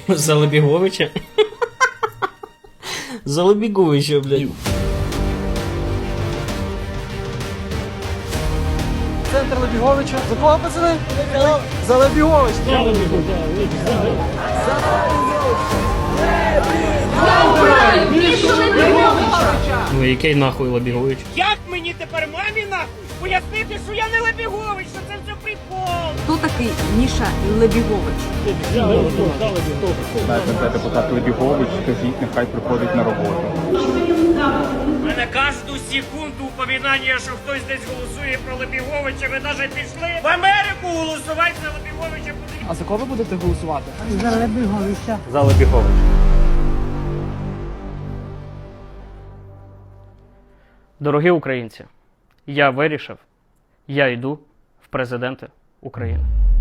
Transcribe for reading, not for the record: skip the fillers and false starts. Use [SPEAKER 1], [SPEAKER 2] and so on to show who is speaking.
[SPEAKER 1] За Лебіговича? За Лебіговича, блядь.
[SPEAKER 2] Центр Лебіговича. За кого, пацани? За Лебігович.
[SPEAKER 1] Ну який нахуй Лебігович?
[SPEAKER 3] Як мені тепер мамі нахуй пояснити, що я не Лебігович, що це все прикол?
[SPEAKER 4] Хто такий Міша Лебігович?
[SPEAKER 5] Це депутат Лебігович, скажіть, нехай приходить на роботу.
[SPEAKER 3] У мене кожну секунду упоминання, що хтось десь голосує про Лебіговича, ви навіть пішли в Америку голосувати за Лебіговича.
[SPEAKER 2] А за кого ви будете голосувати?
[SPEAKER 5] За Лебігович.
[SPEAKER 1] Дорогі українці, я вирішив, я йду в президенти України.